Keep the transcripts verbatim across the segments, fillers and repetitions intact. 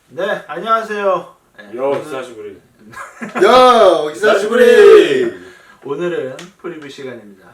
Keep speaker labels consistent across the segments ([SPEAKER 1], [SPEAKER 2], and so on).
[SPEAKER 1] 네, 안녕하세요. 네,
[SPEAKER 2] 여 히사시부리.
[SPEAKER 3] 야, 히사시부리.
[SPEAKER 1] 오늘은 프리뷰 시간입니다.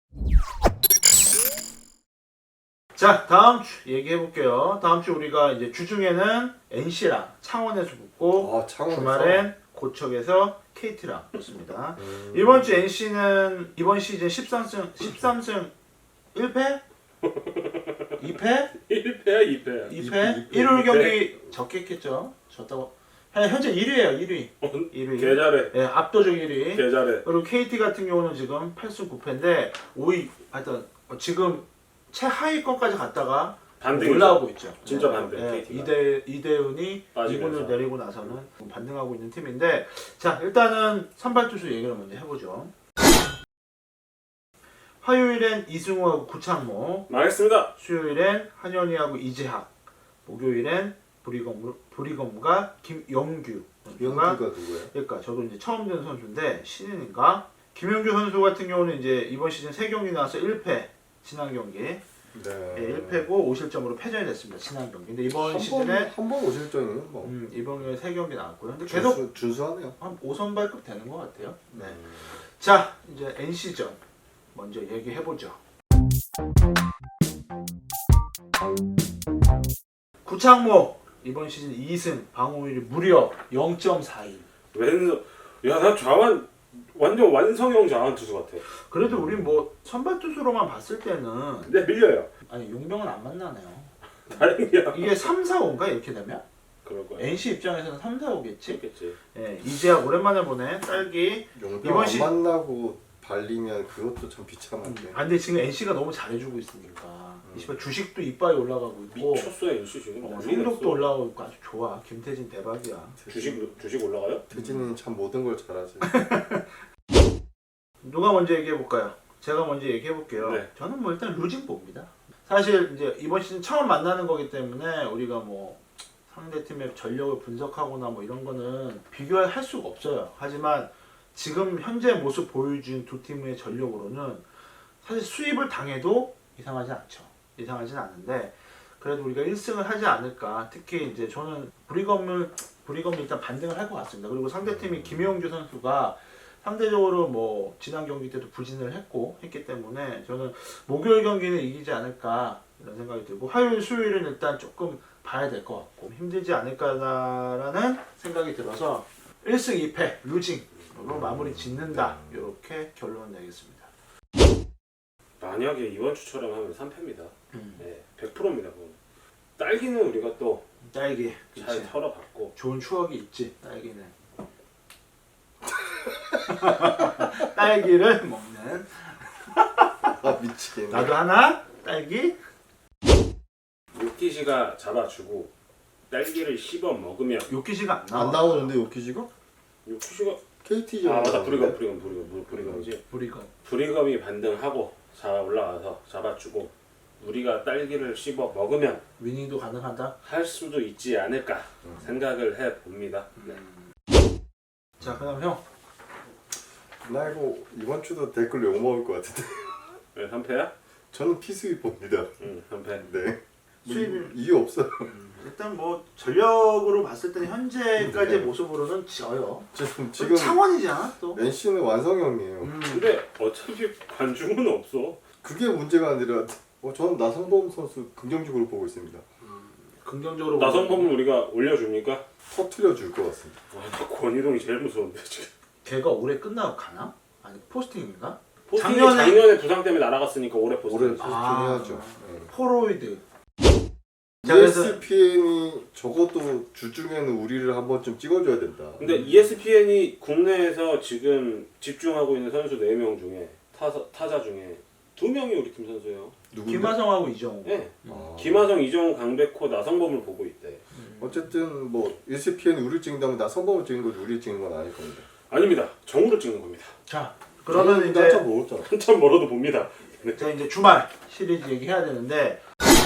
[SPEAKER 1] 자, 다음 주 얘기해 볼게요. 다음 주 우리가 이제 주중에는 엔씨랑 창원에서 붙고
[SPEAKER 3] 아, 창원에서?
[SPEAKER 1] 주말엔 고척에서 케이티랑 붙습니다.
[SPEAKER 3] 음.
[SPEAKER 1] 이번 주 엔씨는 이번 시즌 십삼 승 십삼 승 일 패? 이 패?
[SPEAKER 2] 일 패야 이 패야.
[SPEAKER 1] 이 패?
[SPEAKER 3] 이 패.
[SPEAKER 1] 일요일 경기 적겠겠죠. 졌다고. 현재 일 위예요. 일 위. 일 위.
[SPEAKER 2] 개 잘해.
[SPEAKER 1] 예, 압도적 일 위.
[SPEAKER 2] 개 잘해.
[SPEAKER 1] 그리고 케이티 같은 경우는 지금 팔 승 구 패인데 오 위, 하여튼 지금 최하위권까지 갔다가
[SPEAKER 2] 반등
[SPEAKER 1] 올라오고 있죠.
[SPEAKER 2] 진짜
[SPEAKER 1] 네,
[SPEAKER 2] 반등,
[SPEAKER 1] 네,
[SPEAKER 2] 케이티가.
[SPEAKER 1] 이대 이대훈이
[SPEAKER 2] 빠지면서.
[SPEAKER 1] 이 군을 내리고 나서는 반등하고 있는 팀인데, 자 일단은 선발 투수 얘기를 먼저 해보죠. 화요일엔 이승우하고 구창모,
[SPEAKER 2] 망했습니다.
[SPEAKER 1] 수요일엔 한현희하고 이재학, 목요일엔 브리검 브리검과 김영규 선수가,
[SPEAKER 3] 영규가 누구야?
[SPEAKER 1] 그러니까 저도 이제 처음 된 선수인데 신인인가? 김영규 선수 같은 경우는 이제 이번 시즌 세 경기 나와서 일 패, 지난 경기
[SPEAKER 3] 네.
[SPEAKER 1] 예, 일 패고 오 실점으로 패전이 됐습니다. 지난 경기. 근데 이번 시즌에
[SPEAKER 3] 한번 오실정이는 뭐
[SPEAKER 1] 음, 이번 경기에 세 경기 나왔고요. 근데 계속
[SPEAKER 3] 준수, 준수하네요.
[SPEAKER 1] 한 오 선발급 되는 것 같아요. 네.
[SPEAKER 2] 음.
[SPEAKER 1] 자 이제 엔씨전 먼저 얘기해 보죠. 구창모 이번 시즌 이 승, 방어율이 무려 영 점 사이.
[SPEAKER 2] 왼손. 야나 좌완 완전 완성형 좌완 투수 같아.
[SPEAKER 1] 그래도 우리 뭐 선발 투수로만 봤을 때는
[SPEAKER 2] 근데 밀려요.
[SPEAKER 1] 아니 용병은 안 만나네요.
[SPEAKER 2] 다행이야.
[SPEAKER 1] 이게 삼, 사, 오인가 이렇게 되면?
[SPEAKER 2] 그럴 거야.
[SPEAKER 1] 엔씨 입장에서는 삼, 사, 오겠지?
[SPEAKER 2] 그렇겠지.
[SPEAKER 1] 예, 이제야 오랜만에 보네. 딸기.
[SPEAKER 3] 용병
[SPEAKER 1] 이번
[SPEAKER 3] 안
[SPEAKER 1] 시-
[SPEAKER 3] 만나고 발리면 그것도 참 비참한데.
[SPEAKER 1] 아 근데 지금 엔씨가 너무 잘해주고 있으니까 이 씨발 주식도 이빨이 올라가고 있고
[SPEAKER 2] 미쳤어 엔씨 지금.
[SPEAKER 1] 어,
[SPEAKER 2] 난리
[SPEAKER 1] 성적도
[SPEAKER 2] 났어.
[SPEAKER 1] 올라가고 있고 아주 좋아. 김태진 대박이야.
[SPEAKER 2] 주식 주식 올라가요?
[SPEAKER 3] 태진이는 참 모든 걸 잘하지.
[SPEAKER 1] 누가 먼저 얘기해 볼까요? 제가 먼저 얘기해 볼게요.
[SPEAKER 2] 네.
[SPEAKER 1] 저는 뭐 일단 루징 봅니다. 사실 이제 이번 시즌 처음 만나는 거기 때문에 우리가 뭐 상대 팀의 전력을 분석하거나 뭐 이런 거는 비교할 수가 없어요. 하지만 지금 현재 모습 보여준 두 팀의 전력으로는 사실 수입을 당해도 이상하지 않죠. 이상하진 않은데 그래도 우리가 일 승을 하지 않을까. 특히 이제 저는 브리검을 브리검이 일단 반등을 할 것 같습니다. 그리고 상대팀이 김영규 선수가 상대적으로 뭐 지난 경기 때도 부진을 했고 했기 때문에 저는 목요일 경기는 이기지 않을까 이런 생각이 들고 화요일 수요일은 일단 조금 봐야 될 것 같고 힘들지 않을까라는 생각이 들어서 일 승 이 패 루징으로 마무리 짓는다 이렇게 결론 내겠습니다.
[SPEAKER 2] 만약에 이번 주처럼 하면 삼 패입니다.
[SPEAKER 1] 음.
[SPEAKER 2] 네, 백 퍼센트입니다. 그건. 딸기는 우리가 또 잘
[SPEAKER 1] 딸기 그치.
[SPEAKER 2] 털어봤고.
[SPEAKER 1] 좋은 추억이 있지 딸기는. 딸기를 먹는
[SPEAKER 3] 아 미치겠네.
[SPEAKER 1] 나도 하나 딸기.
[SPEAKER 2] 요키시가 잡아주고 딸기를 씹어 먹으면
[SPEAKER 1] 요키시가 안 나와.
[SPEAKER 3] 안 나오는데 요키지가?
[SPEAKER 2] 요키시가
[SPEAKER 3] 케이티죠.
[SPEAKER 2] 아 맞다 브리검 브리검 브리검 브리검이지.
[SPEAKER 1] 우리가
[SPEAKER 2] 브리검이 반등하고 자 올라가서 잡아주고 우리가 딸기를 씹어 먹으면
[SPEAKER 1] 위닝도 가능하다.
[SPEAKER 2] 할 수도 있지 않을까 생각을 해 봅니다. 네.
[SPEAKER 1] 자 그다음 형.
[SPEAKER 3] 나 이거 이번 주도 댓글 욕 먹을 것 같은데.
[SPEAKER 2] 왜 삼 패야?
[SPEAKER 3] 저는 피수입 봅니다.
[SPEAKER 2] 응, 삼 패.
[SPEAKER 3] 네.
[SPEAKER 1] 수입이-
[SPEAKER 3] 이유 없어요.
[SPEAKER 1] 일단 뭐 전력으로 봤을 때는 현재까지의
[SPEAKER 3] 네.
[SPEAKER 1] 모습으로는 져요.
[SPEAKER 3] 지금
[SPEAKER 1] 지금
[SPEAKER 3] 지금
[SPEAKER 1] 창원이잖아 또.
[SPEAKER 3] 엔씨는 완성형이에요.
[SPEAKER 1] 음.
[SPEAKER 2] 근데 어차피 관중은 없어.
[SPEAKER 3] 그게 문제가 아니라 어, 저는 나성범 선수 긍정적으로 보고 있습니다.
[SPEAKER 1] 긍정적으로
[SPEAKER 2] 나성범을 우리가 올려줍니까?
[SPEAKER 3] 터트려 줄 것 같습니다.
[SPEAKER 2] 와, 나 권희동이 제일 무서운데 지금.
[SPEAKER 1] 걔가 올해 끝나고 가나? 아니 포스팅인가?
[SPEAKER 2] 포스팅이
[SPEAKER 1] 작년에-
[SPEAKER 2] 작년에 부상 때문에 날아갔으니까 올해 포스팅.
[SPEAKER 3] 올해
[SPEAKER 1] 아.
[SPEAKER 3] 포스팅해야죠. 네.
[SPEAKER 1] 포로이드. 자, 그래서-
[SPEAKER 3] 이에스피엔이 적어도 주중에는 우리를 한 번쯤 찍어줘야 된다.
[SPEAKER 2] 근데 이에스피엔이 국내에서 지금 집중하고 있는 선수 네 명 중에 타사, 타자 중에 두 명이 우리 팀 선수예요.
[SPEAKER 3] 누군데?
[SPEAKER 1] 김하성하고 이정우.
[SPEAKER 2] 네.
[SPEAKER 3] 아.
[SPEAKER 2] 김하성, 이정우, 강백호, 나성범을 보고 있대.
[SPEAKER 3] 어쨌든 뭐 이에스피엔이 우리를 찍는다면 나 성범을 찍는 거지 우리를 찍는 건 아닐 겁니다.
[SPEAKER 2] 아닙니다. 정우를 찍는 겁니다.
[SPEAKER 1] 자 그러면 이제
[SPEAKER 3] 한참 먹었잖아.
[SPEAKER 2] 한참 멀어도 봅니다. 네.
[SPEAKER 1] 자 이제 주말 시리즈 얘기해야 되는데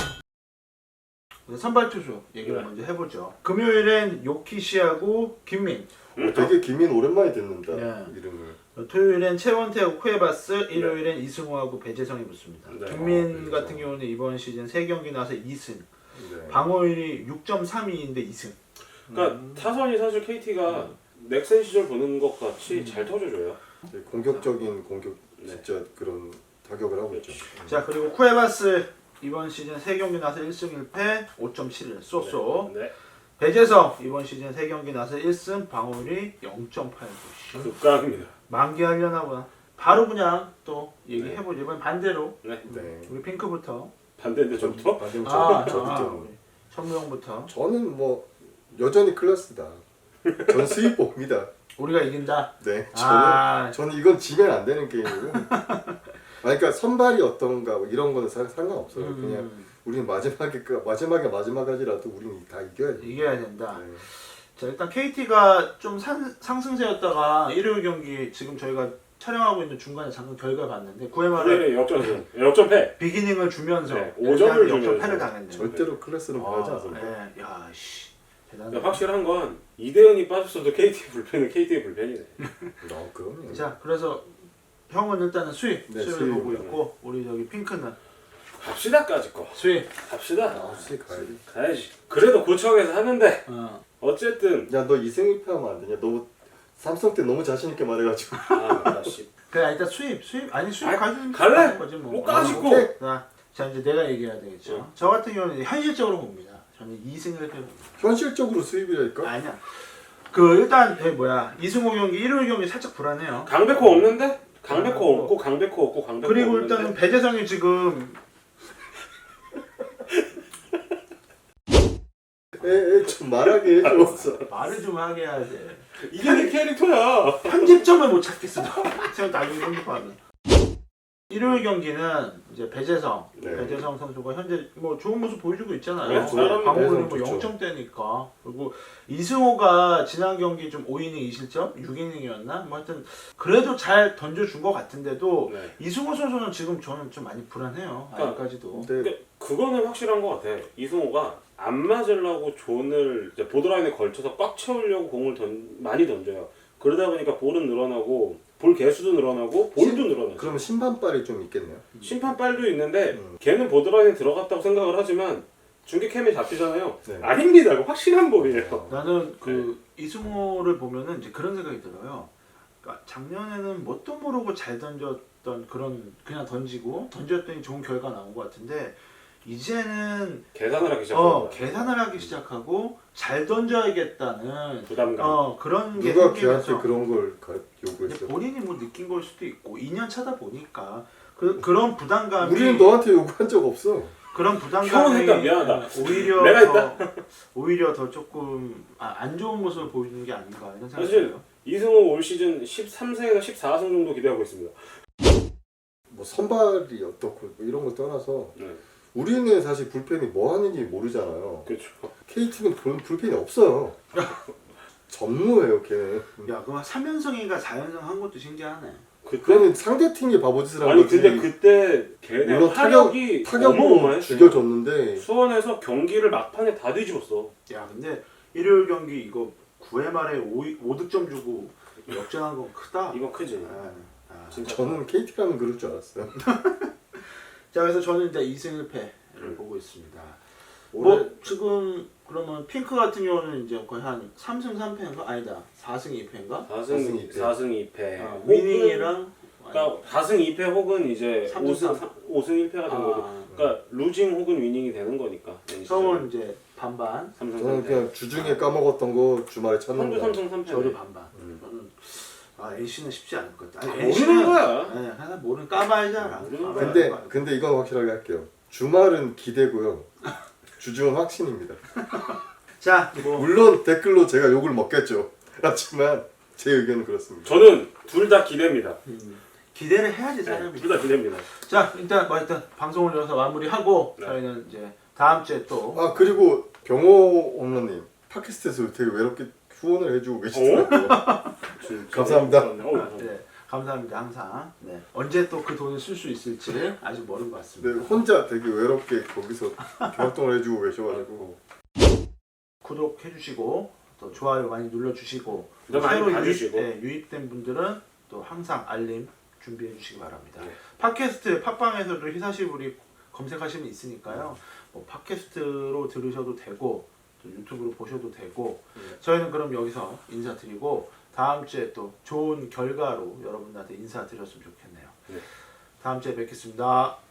[SPEAKER 1] 선발 투수 얘기를
[SPEAKER 2] 네.
[SPEAKER 1] 먼저 해보죠. 금요일엔 요키시하고 김민.
[SPEAKER 3] 어, 되게 김민 오랜만에 듣는다
[SPEAKER 1] 네.
[SPEAKER 3] 이름을.
[SPEAKER 1] 토요일엔 최원태하고 쿠에바스, 일요일엔 이승우하고 배재성이 붙습니다.
[SPEAKER 2] 네.
[SPEAKER 1] 김민
[SPEAKER 3] 아,
[SPEAKER 1] 같은 경우는 이번 시즌 세 경기 나서 이 승,
[SPEAKER 3] 네.
[SPEAKER 1] 방어율이 육 점 삼이인데 이 승.
[SPEAKER 2] 그러니까
[SPEAKER 1] 음.
[SPEAKER 2] 타선이 사실 케이티가 넥센 시절 보는 것 같이 잘 터져줘요.
[SPEAKER 3] 되게 공격적인 공격
[SPEAKER 2] 네.
[SPEAKER 3] 진짜 그런 타격을 하고 있죠.
[SPEAKER 1] 자 그리고 쿠에바스 이번 시즌 세 경기 나서 일 승 일 패 오 점 칠일 쏘쏘.
[SPEAKER 2] 네.
[SPEAKER 1] 배재성 이번 시즌 세 경기 나서 일 승 방어율이 영 점 팔구.
[SPEAKER 2] 극강입니다.
[SPEAKER 1] 만개하려나 보다. 바로 그냥 또 얘기해보죠. 이번 반대로
[SPEAKER 2] 네.
[SPEAKER 3] 네.
[SPEAKER 1] 우리 핑크부터.
[SPEAKER 2] 반대인데 저부터?
[SPEAKER 3] 반대로
[SPEAKER 1] 아,
[SPEAKER 3] 저,
[SPEAKER 1] 아,
[SPEAKER 3] 저부터.
[SPEAKER 1] 우리 천무형부터.
[SPEAKER 3] 저는 뭐 여전히 클래스다. 전 수입 봅니다.
[SPEAKER 1] 우리가 이긴다.
[SPEAKER 3] 네. 저는
[SPEAKER 1] 아,
[SPEAKER 3] 저는 이건 지면 안 되는 게임이고. 그러니까 선발이 어떤가 뭐 이런 거는 사- 상관없어요.
[SPEAKER 1] 음,
[SPEAKER 3] 그냥 우리는 마지막에 그- 마지막에 마지막까지라도 우리는 다 이겨야 돼.
[SPEAKER 1] 이겨야 된다.
[SPEAKER 3] 네.
[SPEAKER 1] 자 일단 케이티가 좀 상, 상승세였다가 일요일 경기 지금 저희가 촬영하고 있는 중간에 잠깐 결과 봤는데 구회말에
[SPEAKER 2] 네, 역전승. 역전패.
[SPEAKER 1] 비기닝을 주면서
[SPEAKER 2] 네, 오 점을 주면서.
[SPEAKER 1] 역전패를 당했네요.
[SPEAKER 3] 절대로 클래스는 변하지
[SPEAKER 1] 아,
[SPEAKER 3] 않습니다.
[SPEAKER 1] 예, 야, 씨, 대단해.
[SPEAKER 2] 근데 확실한 건 이대현이 빠졌어도 케이티 불펜은 케이티의 불펜이네.
[SPEAKER 3] 어, 그럼요.
[SPEAKER 1] 자 그래서 형은 일단은 수입
[SPEAKER 3] 네,
[SPEAKER 1] 수입을
[SPEAKER 3] 수입.
[SPEAKER 1] 보고 있고 우리 저기 핑크는
[SPEAKER 2] 갑시다까지 거.
[SPEAKER 1] 수입.
[SPEAKER 2] 갑시다.
[SPEAKER 3] 아, 수입 가야지.
[SPEAKER 2] 가야지. 그래도 고청에서 하는데
[SPEAKER 1] 어.
[SPEAKER 2] 어쨌든
[SPEAKER 3] 야, 너 이승 일 패하면 안 되냐? 너무 삼성 때 너무 자신 있게 말해가지고.
[SPEAKER 2] 아, 나 씨.
[SPEAKER 1] 그래 일단 수입 수입 아니 수입
[SPEAKER 2] 아이,
[SPEAKER 1] 가지고
[SPEAKER 2] 갈래?
[SPEAKER 1] 가는 거지 뭐.
[SPEAKER 2] 못 가시고.
[SPEAKER 3] 오케이.
[SPEAKER 1] 자, 자 이제 내가 얘기해야 되겠죠.
[SPEAKER 2] 응.
[SPEAKER 1] 저 같은 경우는 현실적으로 봅니다. 저는 이 승을 봅니다.
[SPEAKER 3] 현실적으로 수입이랄까?
[SPEAKER 1] 아니야. 그 일단 에, 뭐야 이승호 경기 일요일 경기 살짝 불안해요.
[SPEAKER 2] 강백호 없는데? 강백호
[SPEAKER 1] 아,
[SPEAKER 2] 없고 강백호 없고 강백호
[SPEAKER 1] 그리고
[SPEAKER 2] 없는데?
[SPEAKER 1] 일단은 배재성이 지금
[SPEAKER 3] 에, 에, 좀 말하게 해줘.
[SPEAKER 1] 말을 좀 하게 해야 돼.
[SPEAKER 2] 이게 내 캐릭터야.
[SPEAKER 1] 편집점을 못 찾겠어. 제가 나중에 편집하면. 일요일 경기는 이제 배재성,
[SPEAKER 3] 네.
[SPEAKER 1] 배재성 선수가 현재 뭐 좋은 모습 보여주고 있잖아요.
[SPEAKER 2] 네, 잘합니다.
[SPEAKER 1] 방어율이
[SPEAKER 3] 배재성
[SPEAKER 1] 뭐
[SPEAKER 3] 좋죠.
[SPEAKER 1] 영 점대니까. 그리고 이승호가 지난 경기 좀 오 이닝 이 실점, 육 이닝이었나? 뭐 하여튼 그래도 잘 던져준 것 같은데도
[SPEAKER 2] 네.
[SPEAKER 1] 이승호 선수는 지금 저는 좀 많이 불안해요.
[SPEAKER 2] 그러니까
[SPEAKER 1] 아직까지도.
[SPEAKER 3] 근데
[SPEAKER 2] 근데 그거는 확실한 것 같아. 이승호가 안 맞으려고 존을 이제 보드라인에 걸쳐서 꽉 채우려고 공을 던, 많이 던져요. 그러다 보니까 볼은 늘어나고 볼 개수도 늘어나고 볼도 늘어나죠.
[SPEAKER 3] 그러면 심판발이 좀 있겠네요.
[SPEAKER 2] 심판 빨도 있는데
[SPEAKER 3] 음.
[SPEAKER 2] 걔는 보드라인에 들어갔다고 생각을 하지만 중계 캠에 잡히잖아요.
[SPEAKER 3] 네.
[SPEAKER 2] 아닙니다. 이거 확실한 볼이에요.
[SPEAKER 1] 나는 그
[SPEAKER 2] 네.
[SPEAKER 1] 이승호를 보면은 이제 그런 생각이 들어요. 그러니까 작년에는 뭣도 모르고 잘 던졌던 그런 그냥 던지고 던졌더니 좋은 결과 나온 것 같은데 이제는
[SPEAKER 2] 계산을 하기 시작한
[SPEAKER 1] 어
[SPEAKER 2] 거야.
[SPEAKER 1] 계산을 하기 시작하고 잘 던져야겠다는
[SPEAKER 2] 부담감.
[SPEAKER 1] 어 그런 게
[SPEAKER 3] 누가 걔한테
[SPEAKER 1] 생기면서
[SPEAKER 3] 그런 걸 가-
[SPEAKER 1] 근데
[SPEAKER 3] 요구했어?
[SPEAKER 1] 본인이 뭐 느낀 걸 수도 있고 이 년 차다 보니까 그 그런 부담감이
[SPEAKER 3] 우리는 너한테 요구한 적 없어.
[SPEAKER 1] 그런 부담감이
[SPEAKER 2] 형은 했다, 미안하다.
[SPEAKER 1] 오히려
[SPEAKER 2] 내가
[SPEAKER 1] 더 오히려 더 조금 아, 안 좋은 모습을 보이는 게 아닌가 이런 생각이
[SPEAKER 2] 사실
[SPEAKER 1] 들어요.
[SPEAKER 2] 이승호 올 시즌 십삼 승에서 십사 승 정도 기대하고 있습니다.
[SPEAKER 3] 뭐 선발이 어떻고 뭐 이런 걸 떠나서
[SPEAKER 2] 네.
[SPEAKER 3] 우리는 사실 불펜이 뭐 하는지 모르잖아요.
[SPEAKER 2] 그렇죠.
[SPEAKER 3] 케이티는 불, 불펜이 없어요. 전무예요, 걔는.
[SPEAKER 1] 야, 그럼 삼 연승인가 사 연승 한 것도 신기하네.
[SPEAKER 2] 그때
[SPEAKER 3] 그거는 상대 팀이 바보짓을 한
[SPEAKER 2] 아니
[SPEAKER 3] 거지.
[SPEAKER 2] 근데 그때 걔네
[SPEAKER 3] 물론
[SPEAKER 2] 타격이
[SPEAKER 3] 타격으로
[SPEAKER 2] 어마어마했어요.
[SPEAKER 3] 죽여줬는데
[SPEAKER 2] 수원에서 경기를 막판에 다 뒤집었어.
[SPEAKER 1] 야, 근데 일요일 경기 이거 구 회 말에 오 득점 주고 역전한 건 크다.
[SPEAKER 2] 이건 크지.
[SPEAKER 1] 아, 아.
[SPEAKER 2] 진짜.
[SPEAKER 3] 저는 케이티라면 그럴 줄 알았어요.
[SPEAKER 1] 자, 그래서 저는 이제 이 승 일 패를
[SPEAKER 2] 음.
[SPEAKER 1] 보고 있습니다.
[SPEAKER 3] 올해
[SPEAKER 1] 뭐 지금 그러면 핑크 같은 경우는 이제 거의 한 삼 승 삼 패인가? 아니다. 사 승 이 패인가?
[SPEAKER 2] 사
[SPEAKER 3] 사 승
[SPEAKER 2] 승
[SPEAKER 3] 이 패.
[SPEAKER 2] 사 승 이 패.
[SPEAKER 1] 아,
[SPEAKER 2] 혹은
[SPEAKER 1] 위닝이랑
[SPEAKER 2] 그러니까 사 승 이 패 혹은 이제
[SPEAKER 1] 삼
[SPEAKER 2] 오
[SPEAKER 1] 승
[SPEAKER 2] 승
[SPEAKER 1] 삼.
[SPEAKER 2] 오 승 일 패가 된 거죠.
[SPEAKER 1] 아,
[SPEAKER 2] 그러니까 루징 혹은 위닝이 되는 거니까.
[SPEAKER 1] 성은 이제 반반,
[SPEAKER 2] 삼 승
[SPEAKER 3] 저는
[SPEAKER 2] 삼 패.
[SPEAKER 3] 그냥 주중에 까먹었던 거 주말에 찾는
[SPEAKER 2] 선두
[SPEAKER 3] 거.
[SPEAKER 2] 삼 승 삼 패.
[SPEAKER 1] 저도 반반.
[SPEAKER 3] 음.
[SPEAKER 1] 저는 아 엔씨는 쉽지 않을 것 같아.
[SPEAKER 2] 아,
[SPEAKER 1] 아니,
[SPEAKER 2] 모르는 거야.
[SPEAKER 1] 네, 하나 모르는 까봐야지 알아.
[SPEAKER 2] 모르는 거야.
[SPEAKER 1] 까봐야
[SPEAKER 3] 근데
[SPEAKER 1] 알아.
[SPEAKER 3] 근데 이건 확실하게 할게요. 주말은 기대고요. 주중은 확신입니다.
[SPEAKER 1] 자, 뭐
[SPEAKER 3] 물론 댓글로 제가 욕을 먹겠죠. 하지만 제 의견은 그렇습니다.
[SPEAKER 2] 저는 둘 다 기대입니다.
[SPEAKER 1] 음, 기대를 해야지 사람이.
[SPEAKER 2] 둘 다 기대입니다.
[SPEAKER 1] 자, 일단 뭐 일단 방송을 여기서 마무리하고
[SPEAKER 2] 네.
[SPEAKER 1] 저희는 이제 다음 주에 또
[SPEAKER 3] 아 그리고 병호 홈런님 팟캐스트에서 되게 외롭게 후원을 해주고 계시더라고요. 감사합니다.
[SPEAKER 2] 어, 감사합니다.
[SPEAKER 1] 네, 감사합니다 항상. 네. 언제 또 그 돈을 쓸 수 있을지 아직 모르는 것
[SPEAKER 3] 네,
[SPEAKER 1] 같습니다.
[SPEAKER 3] 혼자 되게 외롭게 거기서 활동을 해주고 계셔가지고
[SPEAKER 1] 구독해주시고 또 좋아요 많이 눌러주시고
[SPEAKER 2] 또 많이
[SPEAKER 1] 새로
[SPEAKER 2] 봐주시고.
[SPEAKER 1] 유입, 네, 유입된 분들은 또 항상 알림 준비해주시기 바랍니다.
[SPEAKER 2] 네.
[SPEAKER 1] 팟캐스트 팟빵에서도 히사시부리 검색하시면 있으니까요. 뭐 팟캐스트로 들으셔도 되고 또 유튜브로 보셔도 되고
[SPEAKER 2] 네.
[SPEAKER 1] 저희는 그럼 여기서 인사드리고 다음 주에 또 좋은 결과로 여러분들한테 인사드렸으면 좋겠네요.
[SPEAKER 2] 네.
[SPEAKER 1] 다음 주에 뵙겠습니다.